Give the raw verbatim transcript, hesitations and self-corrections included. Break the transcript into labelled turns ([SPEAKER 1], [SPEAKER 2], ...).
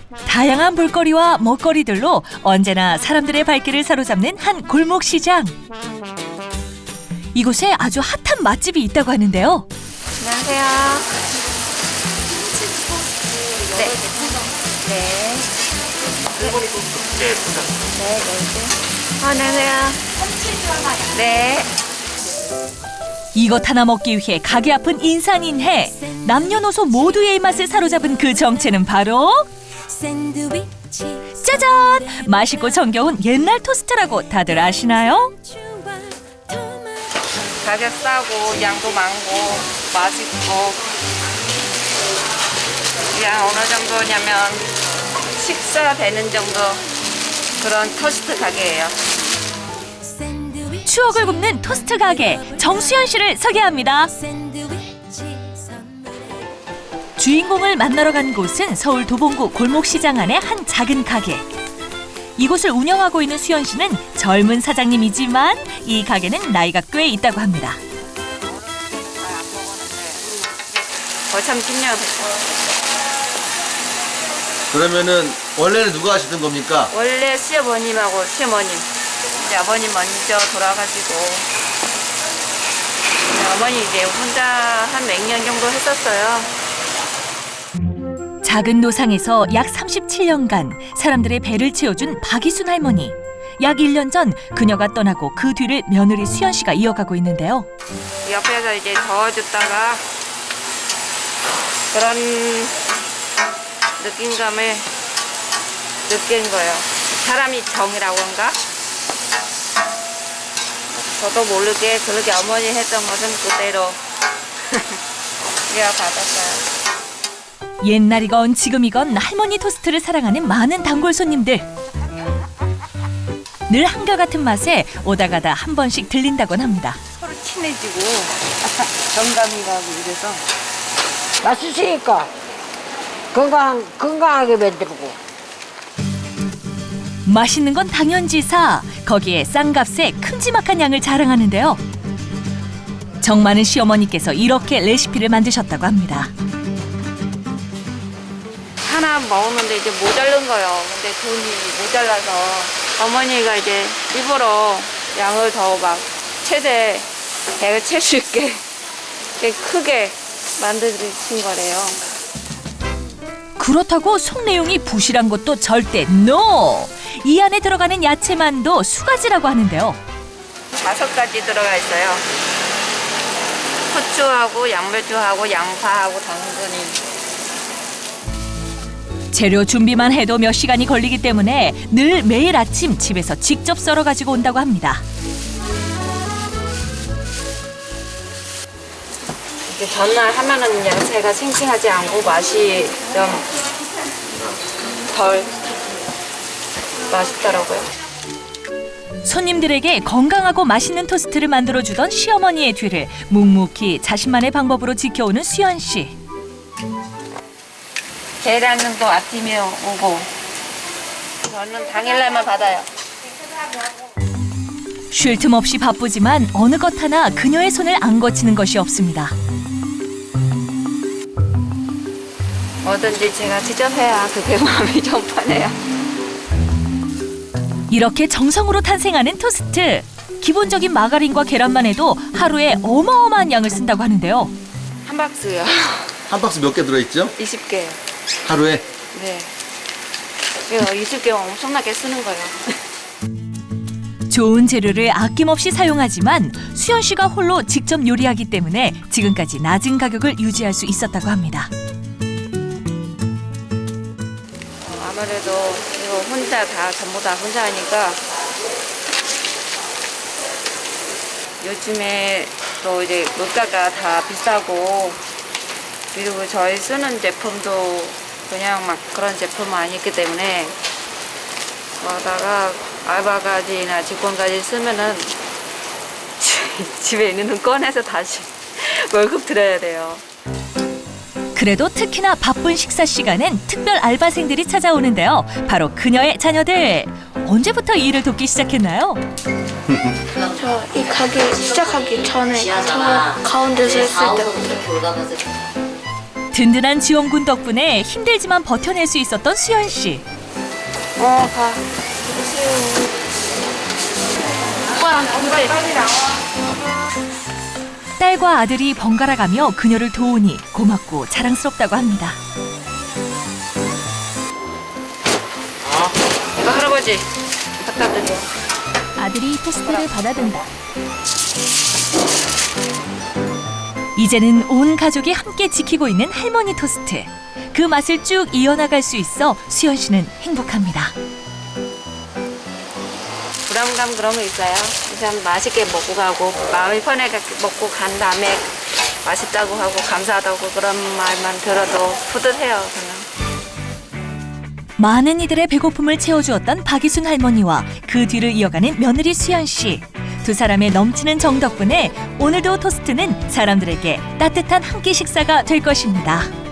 [SPEAKER 1] 다양한 볼거리와 먹거리들로 언제나 사람들의 발길을 사로잡는 한 골목시장. 이곳에 아주 핫한 맛집이 있다고 하는데요.
[SPEAKER 2] 안녕하세요. 네. 네. 네, 네. 네. 안녕하세요. 네.
[SPEAKER 1] 이것 하나 먹기 위해 가게 앞은 인산인해. 남녀노소 모두의 입맛을 사로잡은 그 정체는 바로 짜잔! 맛있고 정겨운 옛날 토스트라고 다들 아시나요?
[SPEAKER 2] 가격 싸고 양도 많고 맛있고 양 어느 정도냐면 식사 되는 정도 그런 토스트 가게예요.
[SPEAKER 1] 추억을 굽는 토스트 가게 정수연 씨를 소개합니다. 주인공을 만나러 간 곳은 서울 도봉구 골목시장 안의 한 작은 가게. 이곳을 운영하고 있는 수연 씨는 젊은 사장님이지만 이 가게는 나이가 꽤 있다고 합니다.
[SPEAKER 2] 거참 십 년
[SPEAKER 3] 그러면은 원래는 누가 하시던 겁니까?
[SPEAKER 2] 원래 시어머님하고 시어머님 이제 아버님 먼저 돌아가시고 어머니 이제 혼자 한 몇 년 정도 했었어요.
[SPEAKER 1] 작은 노상에서 약 삼십칠 년간 사람들의 배를 채워준 박이순 할머니. 약 일 년 전 그녀가 떠나고 그 뒤를 며느리 수연 씨가 이어가고 있는데요.
[SPEAKER 2] 옆에서 이제 저어줬다가 그런 느낌감을 느낀 거예요. 사람이 정이라고 한가? 저도 모르게 그렇게 어머니 했던 것은 그대로 이어받았어요.
[SPEAKER 1] 옛날이건 지금이건 할머니 토스트를 사랑하는 많은 단골 손님들. 늘 한결같은 맛에 오다 가다 한 번씩 들린다곤 합니다.
[SPEAKER 2] 서로 친해지고 정감이 가고 이래서
[SPEAKER 4] 맛있으니까 건강, 건강하게 만들고.
[SPEAKER 1] 맛있는 건 당연지사. 거기에 싼 값에 큼지막한 양을 자랑하는데요. 정 많은 시어머니께서 이렇게 레시피를 만드셨다고 합니다.
[SPEAKER 2] 하나 먹었는데 이제 모자른 거예요. 근데 돈이 모자라서 어머니가 이제 일부러 양을 더 막 최대 배를 챌 수 있게 크게 만드신 거래요.
[SPEAKER 1] 그렇다고 속 내용이 부실한 것도 절대 NO! 이 안에 들어가는 야채만도 수가지라고 하는데요.
[SPEAKER 2] 다섯 가지 들어가 있어요. 후추하고 양배추하고 양파하고 당근이.
[SPEAKER 1] 재료 준비만 해도 몇 시간이 걸리기 때문에 늘 매일 아침 집에서 직접 썰어 가지고 온다고 합니다.
[SPEAKER 2] 이렇게 전날 하면은 야채가 싱싱하지 않고 맛이 좀 덜 맛있더라고요.
[SPEAKER 1] 손님들에게 건강하고 맛있는 토스트를 만들어주던 시어머니의 뒤를 묵묵히 자신만의 방법으로 지켜오는 수연 씨.
[SPEAKER 2] 계란은 또 아침에 오고 저는 당일날만 받아요.
[SPEAKER 1] 쉴 틈 없이 바쁘지만 어느 것 하나 그녀의 손을 안 거치는 것이 없습니다.
[SPEAKER 2] 뭐든지 제가 직접 해야 그게 마음이 좀 편해요.
[SPEAKER 1] 이렇게 정성으로 탄생하는 토스트. 기본적인 마가린과 계란만 해도 하루에 어마어마한 양을 쓴다고 하는데요.
[SPEAKER 2] 한 박스요.
[SPEAKER 3] 한 박스 몇 개 들어있죠?
[SPEAKER 2] 이십 개요.
[SPEAKER 3] 하루에?
[SPEAKER 2] 네. 이거 이십 개 엄청나게 쓰는 거예요.
[SPEAKER 1] 좋은 재료를 아낌없이 사용하지만 수연 씨가 홀로 직접 요리하기 때문에 지금까지 낮은 가격을 유지할 수 있었다고 합니다.
[SPEAKER 2] 아무래도 이거 혼자 다 전부 다 혼자 하니까 요즘에 또 이제 물가가 다 비싸고 그리고 저희 쓰는 제품도 그냥 막 그런 제품은 아니기 때문에 거다가 알바까지나 직원까지 쓰면은 집에 있는 돈 꺼내서 다시 월급 드려야 돼요.
[SPEAKER 1] 그래도 특히나 바쁜 식사 시간엔 특별 알바생들이 찾아오는데요. 바로 그녀의 자녀들. 언제부터 이 일을 돕기 시작했나요?
[SPEAKER 5] 저 이 가게 시작하기 전에 저 가운데서 했을 때부터.
[SPEAKER 1] 든든한 지원군 덕분에 힘들지만 버텨낼 수 있었던 수연 씨.
[SPEAKER 2] 어, 가. 오빠랑 빨리 빨리 나와.
[SPEAKER 1] 딸과 아들이 번갈아 가며 그녀를 도우니 고맙고 자랑스럽다고 합니다.
[SPEAKER 2] 이거 할아버지 갖다 드려.
[SPEAKER 1] 아들이 토스트를 받아든다. 이제는 온 가족이 함께 지키고 있는 할머니 토스트. 그 맛을 쭉 이어나갈 수 있어 수연 씨는 행복합니다.
[SPEAKER 2] 불안감 그런 거 있어요. 일단 맛있게 먹고 가고 마음이 편하게 먹고 간 다음에 맛있다고 하고 감사하다고 그런 말만 들어도 뿌듯해요. 저는.
[SPEAKER 1] 많은 이들의 배고픔을 채워주었던 박이순 할머니와 그 뒤를 이어가는 며느리 수연 씨. 두 사람의 넘치는 정 덕분에 오늘도 토스트는 사람들에게 따뜻한 한 끼 식사가 될 것입니다.